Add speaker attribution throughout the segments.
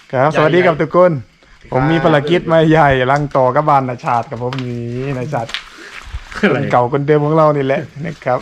Speaker 1: ครับสวัสดีครับทุกคนผมมีภารกิจมาใหญ่รังต่อกับบ้านนาชาติกับผมนี่นาชาติคนเก่าคนเดิมของเรานี่แหละนะครับ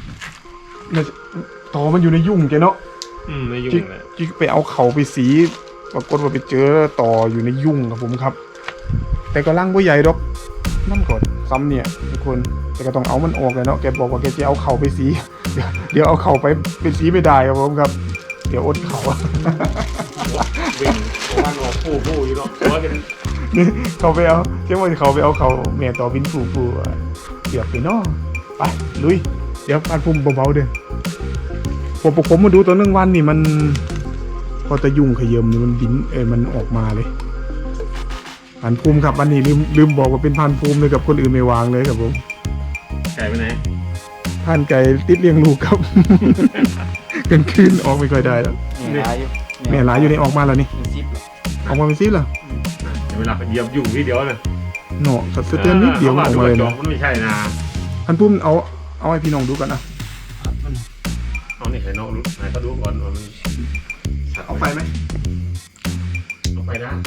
Speaker 1: ต่อมันอยู่ในยุ่งแกเนาะ
Speaker 2: ในยุ่งเลย
Speaker 1: จิ๊กไปเอาเขาไปสีปรากฏว่าไปเจอต่ออยู่ในยุ่งครับผมครับแต่ก็ร่างบ่ใหญ่ดอกนั่นก่อนซ้ำเนี่ยทุกคนแต่ก็ต้องเอามันออกเลยเนาะแกบอกว่าแกจะเอาเขาไปสีเดี๋ยวเอาเขาไปสีไม่ได้ครับผมครับเดี๋ยวอดเขา
Speaker 2: วิ่งวันออกผู้อยู่เนาะว่ากัน
Speaker 1: นี่เขาไปเอาเชื่อว่าเขาไปเอาเขาเมียต่อบินฟูเกือบไปเนาะไปลุยเดี๋ยวการพุ่มเบาๆเด้อผมมาดูตัวนึงวันนี่มันพอจะยุ่งขยิมนี่มันบินมันออกมาเลยพันภูมิครับวันนี้ลืมบอกว่าเป็นพันภูมิเลยกับคนอื่นไม่วางเลยครับผม
Speaker 2: ไก่ไปไหน
Speaker 1: พันไก่ติดเลี้ยงลูกครับกันคืนออกไม่ค่อยได้แล้วแม่หลายอยู่ในออกมาแล้วนี่ออกมาเป็นซิปเหรอ
Speaker 2: เวลาไปเหยียบยุ่งนิดเดียวนะ
Speaker 1: เนาะสัตว์เตือนนิดเดียวออกมาเลยนะ
Speaker 2: มันไม่ใช่นะ
Speaker 1: พันภูมิเอาให้พี่น้องดูกันนะ
Speaker 2: เอานี่ให้น้องรู้ให้เขาดูก่อน
Speaker 1: เอาไปไหม
Speaker 2: เอาไปนะ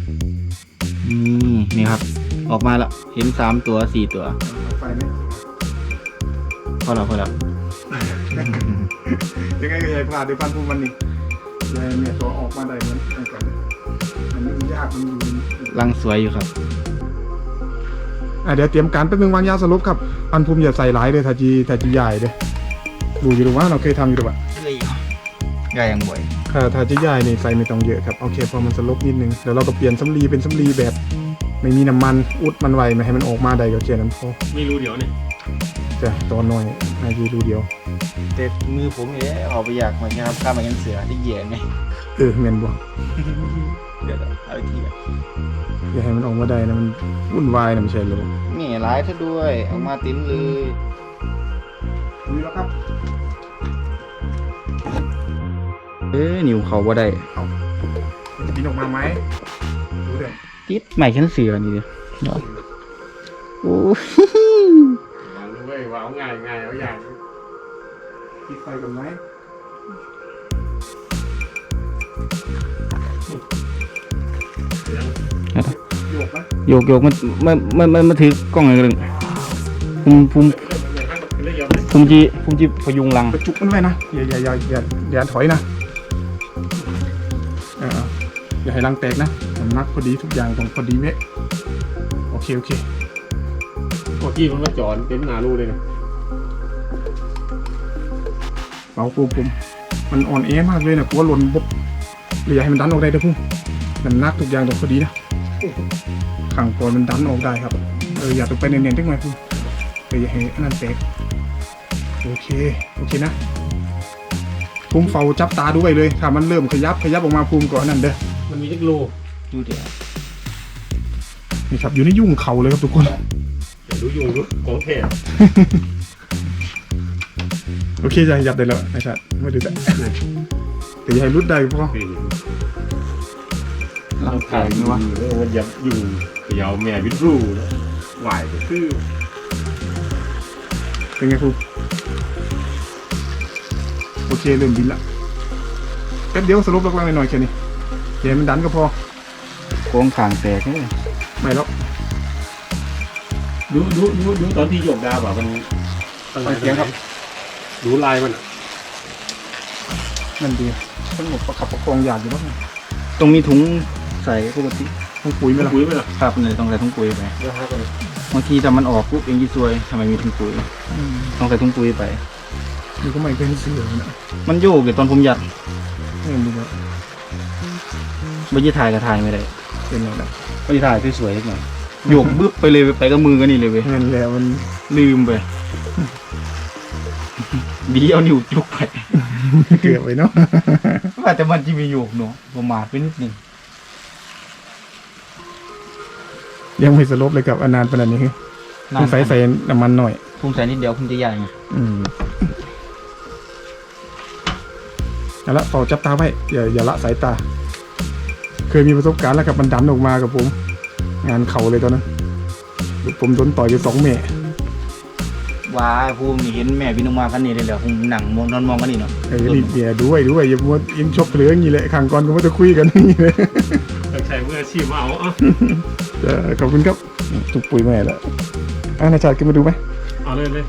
Speaker 3: นี่ครับออกมาแล้วเห็น3 ตัว 4 ตัว
Speaker 1: เอาไปไหม
Speaker 3: พอแล้ว
Speaker 1: ยังไงก็อย่าพลาดด้วยพันภูมิวันนี้เนี่ยตัวออกมาได้เหมือนกันมันยากมันอยู่
Speaker 3: รังสวยอยู่ครับ
Speaker 1: เดี๋ยวเตรียมการแป๊บนึงวางยาสลบครับพันภูมิอย่าใส่หลายเลยถ้าจีใหญ่เลยดูอยู่หรือว่าเราเคยทำอยู่หรือเปล่า
Speaker 3: ใหญ่ยังบ่อย
Speaker 1: ถ้าจะใหญ่นี่ใส่ไม่ต้องเยอะครับโอเคพอมันสลบนิดนึงเดี๋ยวเราก็เปลี่ยนสำลีเป็นสำลีแบบไม่มีน้ำมันอุดมันไว้ไม่ให้มันออกมาได้ก็แค่นั้นพอ
Speaker 2: ไม่รู้เดี๋ยวนี่
Speaker 1: จ้ะตอนน้อยนายรู้เดียว
Speaker 3: แต่มือผมเนี่ยออกไปอยากเหมือนกันครับข้ามมายันเสือที่เหยียดไง
Speaker 1: เมนบ่
Speaker 3: เดี๋ยวเอาอีกที
Speaker 1: อย่าให้มันออกมาได้นะมันวุ่นวายนะไม่ใช่เลย
Speaker 3: นี่ร้ายซะด้วยออกมาติ้มเลย
Speaker 1: ดูแล้วครับ
Speaker 3: นิ้วเขาบ่ได้
Speaker 1: จะบินออกมาไหมดูเด้อ
Speaker 3: ติดใหม่ชั้นเสือนี่ดิโอ้
Speaker 2: วางด้วยวางง่ายเอาอย่าง
Speaker 1: ติดไฟกันไหม
Speaker 3: โยกมันถือกล้องอะไรกันภูมิจีพยุงรัง
Speaker 1: กระจุกมันไว้นะอย่าถอยนะอย่าให้รังแตกนะสำนักพอดีทุกอย่างตรงพอดีเว้ยโอเค
Speaker 2: เมื่อกี้มันมาจอดเต็มหน้ารูเลยนะ
Speaker 1: เบาปุ่มมันอ่อนแอมากเลยนะกลัวหล่นบบเลยอย่าให้มันดันออกได้เด้อพุ่งน้ำหนักทุกอย่างตรงพอดีนะขังก่อนมันดันออกได้ครับอย่าตกไปเนียนๆทั้งหมดพุ่งอย่าให้อันนั้นแตกโอเคนะภูมิเฝ้าจับตาด้วยเลยถ้ามันเริ่มขยับออกมาภูมิก่อนนั่นเด้อ
Speaker 2: มันมีเล็กโล
Speaker 3: ดูเดี๋ยว
Speaker 1: นี่ครับอยู่ในยุ่งเขาเลยครับทุกคน
Speaker 2: อย่าดูยุ่งดูของแท้
Speaker 1: โอเคจะยับได้แล้วไม่ใช่ไม่ดูแต่อย่าให้รุดได้พอ
Speaker 3: ร่างกายนี่วะ
Speaker 2: มันยับยุ่งเขย่าแม่วิทรูไหวก็คือ
Speaker 1: เป็นไงครูโอเคเริ่มบินละแป๊บเดียวสรุปลงหน่อยแค่นี้เดี๋ยวมันดันก็พอ
Speaker 3: โค้งขางแตกนี่
Speaker 1: ไม่แล้ว
Speaker 2: ดูตอนที่โยกดาวแบบมัน
Speaker 1: ตั้งเสียงครับ
Speaker 2: ดูลายมัน
Speaker 1: นั่นดีทั้งหมดประคับประคองอยากอยู่บ้าง
Speaker 3: ตรงมีถุงใส่ปกติ
Speaker 1: ถุงปุ๋ยไหมล่ะ
Speaker 3: ครับเลยต้องใส่ถุงปุ๋ยไปบางทีแต่มันออกปุ๊บเองยี่ซวยทำไมมีถุงปุ๋ยต้องใส่ถุงปุ๋ยไป
Speaker 1: ดูก็ไม่เคยเสือนะ
Speaker 3: มันโยกเลยตอนผมยัด
Speaker 1: ไม่รู้ว่า
Speaker 3: ใบยี่ถ่ายกับถ่ายไม่ได้
Speaker 1: เป็นไงล่ะ
Speaker 3: ใบยี่ถ่ายสวยๆหน่อยโยกบึ๊บไปเลยไปกับมือกันนี่เลยเว้ย
Speaker 1: นั่นแหละมัน
Speaker 3: ลืมไปดีเอานิ้วจุกไป
Speaker 1: เกือบไปเนาะ
Speaker 3: ว่าแต่มันจะมีโยกเนาะประมาทไปนิดนึง
Speaker 1: ยังไม่สลบเลยกับอนานขนาดนี้ต้องใส่น้ำมันหน่อย
Speaker 3: พุ่งใส่นิดเดียวพุ่งจะใหญ่ไง
Speaker 1: เอาละต่อจับตาไว้อย่าละสายตาเคยมีประสบการณ์แล้วกับมันดันออกมากับผมงานเข่าเลยตอนนั้นผมโดนต่อยอยู่2 เมตร
Speaker 3: ว้าภูมินี่เห็นแม่พี่น้องมาพันนี่เลยเหรอผมหนังนอนมองกันนี่เนาะ
Speaker 1: นี่เบียร์ด้วยอย่ามัวอินชกเหลืออย่างนี้เลยขังก่อนก็ไม่ต้องคุยกันนี่เลย
Speaker 2: ใช้มืออาชีพมาเอาอ่ะ
Speaker 1: ขอบคุณครับจุกปุ๋ยแม่แล้วนายชาติขึ้นมาดูไหม
Speaker 2: เอาเลย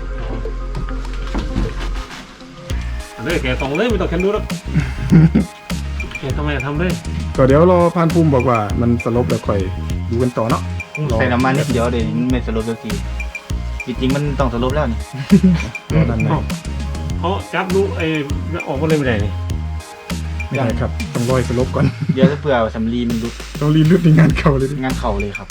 Speaker 2: เอาเลยแกส่งเลยไม่ต้องแคนดูแล้วแกทำไมทำเลย
Speaker 1: ก็เดี๋ยวรอพานภูมิบอกว่ามันสลบแล้วค่อยดูกันต่อเนาะ
Speaker 3: ใส่น้ำมันนิดเดียวเดี๋ยวมันไม่สลบสักทีจริงๆมันต้องสลบแล้วนี่
Speaker 1: รอด้านใน
Speaker 2: เขาจับลูกออกมาเลยไม่ได้นี่
Speaker 1: ไม่ได้ครับต้องรอยสลบก่อน
Speaker 3: เดี๋ยวจะเผื่อสำลีมันรุด
Speaker 1: ต้องรีบลุดในงานเก่าเลยดิ
Speaker 3: งานเข่าเลยครับ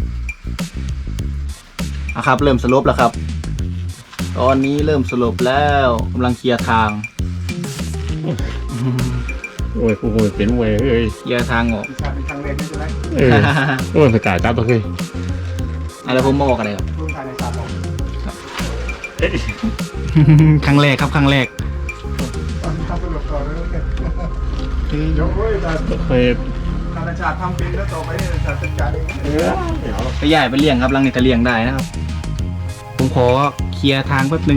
Speaker 3: ครับเริ่มสลบแล้วครับ ตอนนี้เริ่มสลบแล้วกำลังเคลียร์ทาง
Speaker 2: โอ้ยกูเป็นมวยเอ้ย
Speaker 3: เคลียร์ทางออก
Speaker 1: ชาติเป็นครั้งแรกใช่ไหม
Speaker 2: โอ้ยสกัดจับตัวเคย
Speaker 3: อะไรผมมาบอกอะไรครับ
Speaker 1: ร่วมทายในชาติบอก
Speaker 3: ครั้งแรกครับครั้งแรก
Speaker 1: ตอนทำสลบก่อนแล้วกันเดี๋ยวเว้ยแต่
Speaker 2: เคย
Speaker 1: ธนาชาติทำเป็นแล้วต่อไปเนี่ยชาติจัดการเอง
Speaker 2: เดี๋ยว
Speaker 3: ไปใหญ่ไปเลี้ยงครับรังนี้จะเลี้ยงได้นะครับ ผมขอเคลียร์ทางแป๊บนึง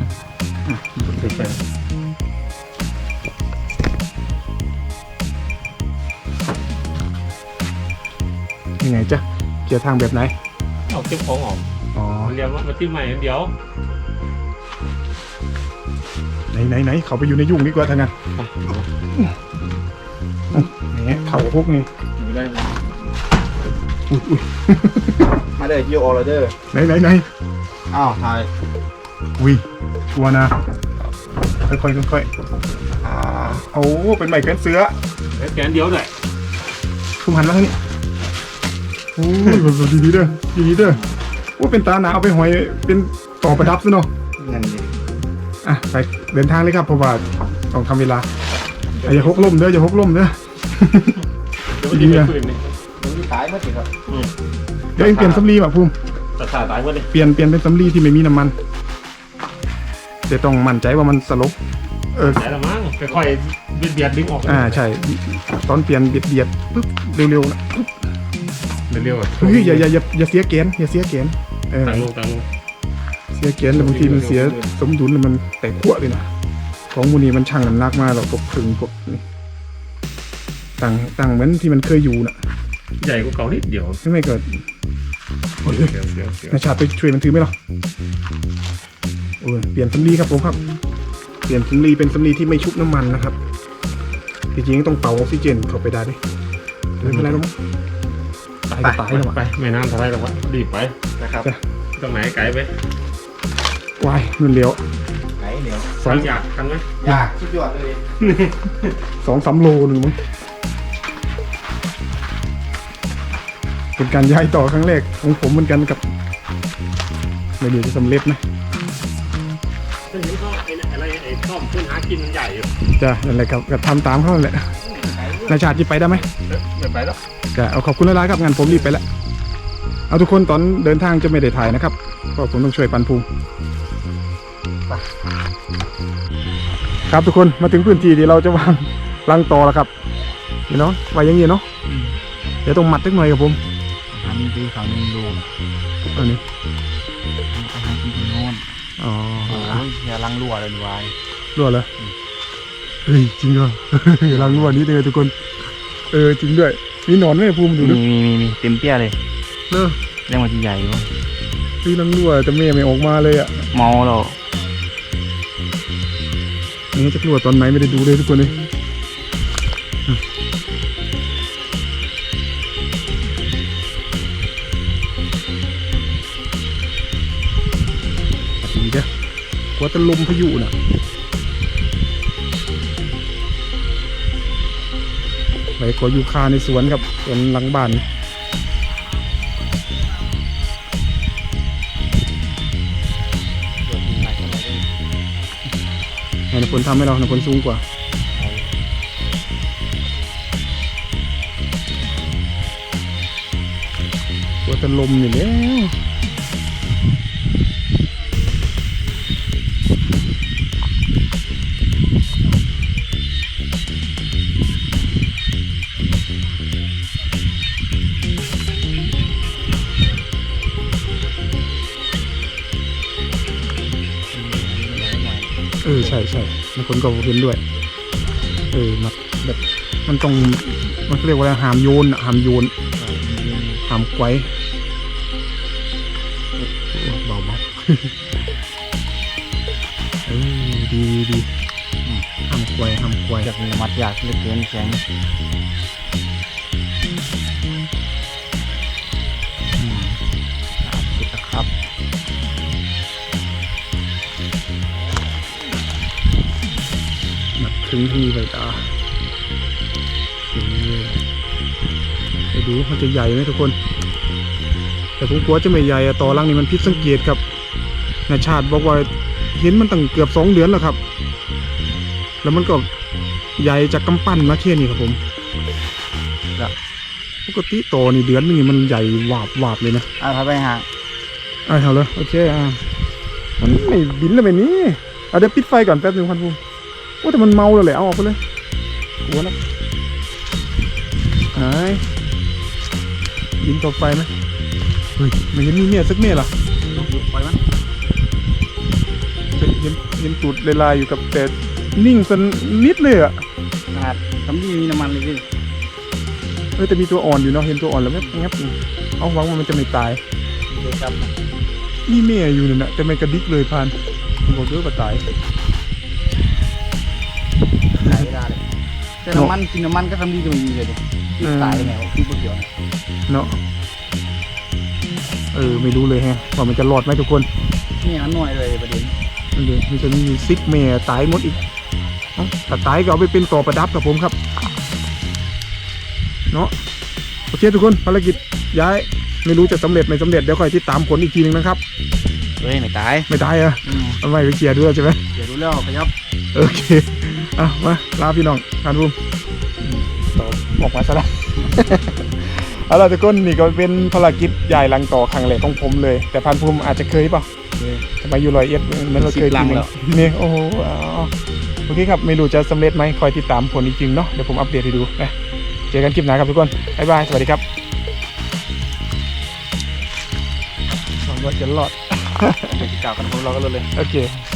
Speaker 1: ยังไงจ๊ะเกี่ยวทางแบบไหน
Speaker 2: เอาเก็บของออก
Speaker 1: อ๋อ
Speaker 2: เรียนมาที่ใหม่เดี๋ยว
Speaker 1: ไหนเขาไปอยู่ในยุ่งดีกว่าทางนั้นนี่เขาพวกนี้
Speaker 3: ได้
Speaker 1: อุ้ย
Speaker 3: มาเลยยูออร์เดอร์
Speaker 1: ไหน
Speaker 3: อ้าวถ่าย
Speaker 1: อุ้ยชัวร์นะค่อยโอ้เป็นใหม่แขวนเสือ
Speaker 2: แกนเดียวเลย
Speaker 1: คุมหันมาทางนี้โอ้ยแบบดีๆเด้อดีๆเด้อว่าเป็นตาหนาเอาไปหอยเป็นต่อประดับซะเนาะ
Speaker 3: นั่นเอง
Speaker 1: อ่ะไปเดินทางเลยครับเพราะว่าต้องทำเวลาอย่าหกล้มเด้ออย่าหกล้มเด้อ
Speaker 2: เดี๋ยวดีไปปืนนี่
Speaker 3: มันที่ตายเมื่อกี้ครับ
Speaker 1: เดี๋ยวเองเปลี่ยนสำลีว่ะภูมิ
Speaker 2: ตัดขาตายหมดเลย
Speaker 1: เปลี่ยนเป็นสำลีที่ไม่มีน้ำมันแต่ต้องมั่นใจว่ามันสลบ
Speaker 2: ใช่ละมั้งค่อยๆเบียดดึงออก
Speaker 1: ใช่ตอนเปลี่ยนเบียดปุ๊บเร็วๆนะปุ๊บ
Speaker 2: เร็วๆอ่ะ
Speaker 1: เฮ้ยอย่าเสียเกณฑ์อย่าเสียเกณฑ์
Speaker 2: ต่างลง
Speaker 1: เสียเกณฑ์แล้วบางทีมันเสียสมดุลแล้วมันแตกขั้วเลยนะของมูนีมันชั่งน้ำหนักมาเราก็พึงพวกนี้ต่างเหมือนที่มันเคยอยู่น่ะ
Speaker 2: ใหญ่กว่าเก่านิดเดียว
Speaker 1: ไม่เกิด
Speaker 2: เดี๋ยว
Speaker 1: นาชาติไปช่วยมันถือไหมหรอเปลี่ยนสำลีครับผมครับเปลี่ยนสำลีเป็นสำลีที่ไม่ชุบน้ำมันนะครับจริงๆต้องเป่าออกซิเจนเข้าไปได้ด้วยไม่เป็นไรหรอกตายก็ตายแล้ว
Speaker 2: ไปไม่นานเท่าไรหรอกวะรีบไป
Speaker 3: นะครับ
Speaker 2: ตรงไหนไกลไป
Speaker 1: วายเงินเหลียว
Speaker 3: ไหนเดี๋ยว
Speaker 1: สอง
Speaker 2: อยากกันไหม
Speaker 3: ยากสุดยอดเลย
Speaker 1: 2-3 โลหนึ่งมั้งเป็นการย้ายต่อครั้งแรกของผมเหมือนกันกับไม่รู้จะสำเร็จไหม
Speaker 2: ฉันเห็นเขาอะไรต้อมขึ้นหากินมันใหญ่อยู่
Speaker 1: จ้ะนั่นแหละครับก็ทำตามเขาแหละนายชาติจะไปได้ไหม
Speaker 2: ไม่ไปแล้ว
Speaker 1: ก็เอาขอบคุณหลายๆครับงานผมรีบไปแล้วเอาทุกคนตอนเดินทางจะไม่ได้ถ่ายนะครับเพราะผมต้องช่วยปันภูมิครับทุกคนมาถึงพื้นที่ที่เราจะวางรังต่อแล้วครับนี่เนาะไว้อย่างนี้เนาะเดี๋ยวต้องมัดสักหน่อยครับผม
Speaker 3: อันนี้คือเขาหนึ่งดู
Speaker 1: อันนี้
Speaker 3: อาหารกินที่โน่น
Speaker 1: อ๋อ
Speaker 3: อย่าลังรั่วเลยวาย
Speaker 1: รั่วเหรอเฮ้ยจริงเหรอ รังรั่วนี้เลยทุกคนจริงด้วยมีหนอนไหมภูมิดูดิ
Speaker 3: มีเต็มเปี้ยเลย
Speaker 1: เนอะ
Speaker 3: เรื่องมันที่ใหญ่วะ
Speaker 1: พี่รังรั่วแต่แม่ไม่ออกมาเลยอ่ะ
Speaker 3: เมาเรา
Speaker 1: นี่จะรั่วตอนไหนไม่ได้ดูเลยทุกคนเลยดีเด้อกลัวจะลมพายุน่ะไปขออยู่คาในสวนครับสวนหลังบ้านให้นพลทำให้เรานพลสูงกว่ากลัวจะลมอยู่แล้วใช่บางคนก็เห็นด้วยมันแบบมันต้องมันเรียกว่าอะไรหามโยนหามไกวเบาดีหามไกว
Speaker 3: อยากมีมัดอยากเหลือเกินแข็งสุดนะครับ
Speaker 1: หนักถึงที่เลยจ้าไปดูมันจะใหญ่ไหมทุกคนแต่ผมกลัวจะไม่ใหญ่ต่อรังนี่มันผิดสังเกตครับนายชาติบอกว่าเห็นมันตั้งเกือบ2 เดือนแล้วครับแล้วมันก็ใหญ่จากกำปั้นมาแค่นี้ครับผมปกติโตนี่เดือนนึงนี่มันใหญ่วาบเลยนะ
Speaker 3: พาไปหา
Speaker 1: เอาเลยโอเคมันไม่บินแล้วแบบนี้เอาเดี๋ยวปิดไฟก่อนแป๊บนึงพันภูมิว่าแต่มันเมาแล้วแหละเอาออกไปเลยกลัวนะหายบินต่อไปไหมเฮ้ยไม่เห็นมีเมียสักเมียหรอ
Speaker 3: ปล่อยมัน
Speaker 1: เห็นตูดลายๆอยู่กับแต่นิ่งสันนิดเลยอ่ะ
Speaker 3: ขนาดทำดีมีน้ำมันเลยพี่
Speaker 1: แต่มีตัวอ่อนอยู่เนาะเห็นตัวอ่อนแล้วงับเอาหวังว่ามันจะไม่ตาย
Speaker 3: เดี๋ยวจับนะ
Speaker 1: มีเมียอยู่เนี่ยนะแต่ไม่กระดิกเลยพานผมบอกด้วยว่าตาย
Speaker 3: ตายไม่ได้เลยแต่น้ำมันกินน้ำมันก็ทำดีก็ไม่มีเลยดิที่ตายยังไงวะที่บุกเดียว
Speaker 1: เนาะไม่รู้เลยฮะว่ามันจะรอดไหมทุกคน
Speaker 3: นี่อันหน่อยเลยประเด็น
Speaker 1: มันเลยมันจะมีซิกเมียตายหมดอีกถ้าตายก็เอาไปเป็นต่อประดับกับผมครับเนาะโอเคทุกคนภารกิจย้ายไม่รู้จะสำเร็จไม่สำเร็จเดี๋ยวคอยติดตามผลอีกทีนึงนะครับ
Speaker 3: เฮ้ยไม่ตาย
Speaker 1: ไม่ตายอะทำไมไปเคลียร์ด้วยใช่ไหม
Speaker 3: เดี๋ยวรู้แล้วขยับ
Speaker 1: โอเคมาลาพี่น้องพานภูมิออกมาซะแล้ว เอาล่ะทุกคนนี่ก็เป็นภารกิจใหญ่ลังต่อครั้งแรกของผมเลย แต่พานภูมิอาจจะเคยเปล่าทำไมอยู่101เหมือนเราเคยทีนึงนี่โอ้โหโอเคครับไม่รู้จะสำเร็จไหมคอยติดตามผลอีกทีเนาะเดี๋ยวผมอัปเดตให้ดูนะเจอกันคลิปหน้าครับทุกคนบ๊ายบายสวัสดีครับหวังว่าจะรอด
Speaker 3: เดี๋ยวจะกล่าวกันพวกเราก็เลย
Speaker 1: โอเค